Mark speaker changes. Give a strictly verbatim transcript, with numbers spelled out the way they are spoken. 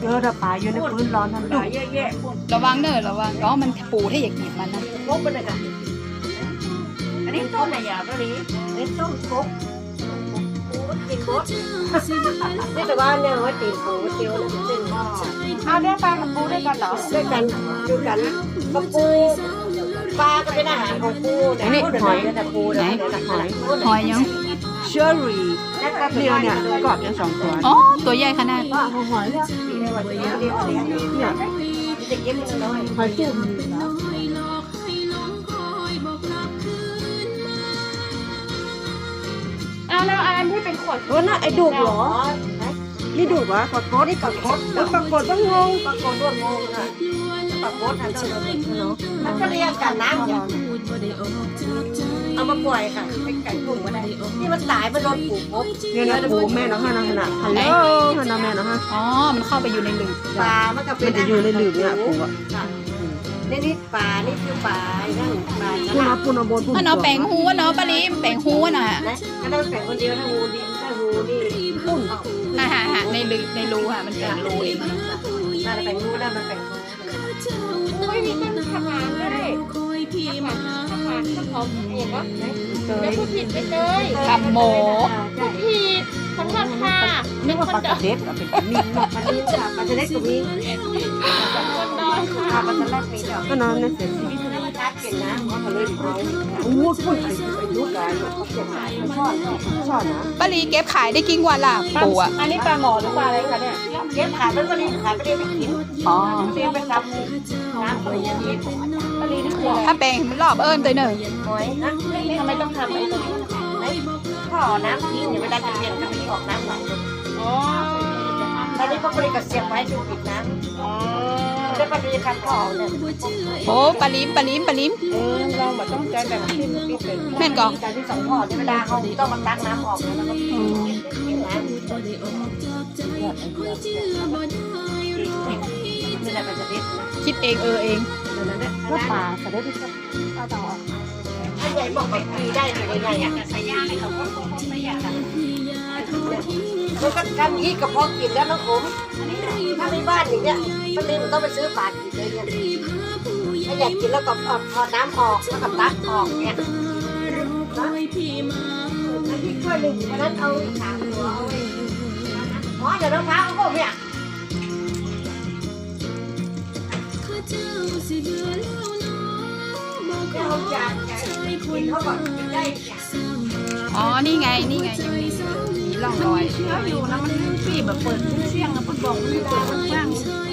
Speaker 1: เออถ้าปลาอยู่ในพื้นร้อนทันดุเยอะๆ
Speaker 2: ระวังเนอะระวังอ๋อมันปูถ้าอยากหยิบมันนะ
Speaker 1: พกไปเลยค่ะอันนี้ต้มอะไรอย่างนี้นี่ต้มพกกินบดนี่แต่ว่าเนี่ยว่าตีนปูเจียวแล้วเป็นหม้อเอาเนี่ยปลากับปูด้วยกันเหรอด้วยกันด้วยกันกับปูปลาก็เป็นอาหารของปูแต่นี่หอยแต่ปูไหนหอย
Speaker 2: หอยยัง
Speaker 1: เชอรี่เดียวเนี่ยกรอบยังสองตัว
Speaker 2: อ๋อตัวใหญ่ขนาด
Speaker 1: ว่าหอยเนี่ยเนี่ยจะเก็บมันน้อยหอยจุ่ม
Speaker 3: เอาแล้วอันที่เป็นขวด
Speaker 1: โอ้น่ะไอ้ดุกเหรอนี่ดุกเหรอปลากดนี่ปลากดแล้วปลากดต้องงงปลากดต้องงงอ่ะปลากดอันนั้นเนาะมันก็เรียกกันน้ำอย่างเอามาปล่อยค่ะเป็นไก่ตุ่มก็ได้ที่มันตายมันโดนปูพบเนี่ยนะปูแม่น้องฮานาฮานาฮัลโหลฮานาแม่น้องฮะ
Speaker 2: อ๋อมันเข้าไปอยู่ในหลืบ
Speaker 1: ปลามันก็เป็นมันจะอยู่ในหลืบเนี่ยปูอ่ะนี่นี่ปลานี่คือปลานั่นปลาปูนาปูนาโบนปู
Speaker 2: อ๋อเนาะแปลงหูวะเนาะปลาลิมแปลงหูวะน่ะ
Speaker 1: นะก็ต้องแปลงคนเดียวถ้างูดินถ้างูนี่ปุ้น
Speaker 2: อ่าฮะฮะในรูในรูค่ะมันเป็นรูเอง
Speaker 1: น่าจะแปลงงูได้มันแปลงงู
Speaker 3: ไม่มีการทำงานด้วยทำงานทำงานทำหอมเห็นปะไม่พูดผิดไปเลย
Speaker 2: ทำโม
Speaker 3: พูดผิดขอโทษค่ะ
Speaker 1: นึกว่าปลากระเด็ดเป็นมีปลาดินจ้ะปลาจะเล็กกว่ามี
Speaker 3: คนน้อยค่ะ
Speaker 1: ปลาจะเล็กมีดอกก็นอนในเสร็จมีธรรมชาติเก่งนะเขาก็เลยเขาโอ้โหพูดไปไปลูกได้เขาเก่งเขาชอบชอบนะ
Speaker 2: ปลาลีเก็บขายได้กี่วันล่ะปูอ่ะ
Speaker 3: อันนี้ปลาหมอหรือปลาอะไรคะเนี่ย
Speaker 1: เก็บขายมันก็ดีขายไม่ได้ไปกิน
Speaker 2: อ๋อ
Speaker 1: เตรียมไปทำน้ำอะไรอย่างนี้
Speaker 3: ปลาลีนี่คืออะไร
Speaker 2: ถ้าแปลงมันรอบเอิญตัวหนึ่ง
Speaker 1: หอยนะ
Speaker 3: ทำไมต้องทำไอ้ตรงนี้
Speaker 1: พ่อน้ำทิ้งอย่าเวลาจะเปลี่ยนก็ไม่ออกน้ำไหล
Speaker 3: อ๋อ
Speaker 1: ตอนนี้ก็บริกรเสียบไว้จนปิดน้ำ
Speaker 3: อ๋อ
Speaker 1: แล้วก็มีคำพ่อเนี่ย
Speaker 2: โอ้ปลาลิมปลาลิมปลาลิม
Speaker 3: เออเราแบบต้องใจแบบที่มันปิดเลย
Speaker 2: แม่นก่อน
Speaker 1: การที่สองพ่อเวลาเขาต้องมาตักน้ำออกแล้วก็ปิดน้ำนี่แหละมันจะเด็ดนะ
Speaker 2: คิดเองเออเอง
Speaker 1: ก็ปลาจะได้ที่สุดปลาต่อถ้าใหญ่บอกไปปีได้เลยใหญ่ๆอ่ะใส่ยาเลยเขาก็คงไม่อยากทำแล้วก็ทำยี่กระเพาะกินแล้วน้องผมถ้าในบ้านอย่างเงี้ยมันเลยมันต้องไปซื้อปลากินเลยเนี่ยถ้าอยากกินแล้วก็พอน้ำออกแล้วก็ตักออกเนี่ยนะอันที่ช่วยหนึ่งวันนั้นเอาสามตัวเอาไว้อ๋อเดี๋ยวน้องท้าเขาก็เนี่ยเขาจะกินเขาก่อนกินได้
Speaker 2: อ๋อนี่ไงนี่ไงยังมีมีร่องรอย
Speaker 1: เชื้ออยู่นะมันปีแบบเปิดเชี่ยงแล้วมันบอกไม่ได้มันว่าง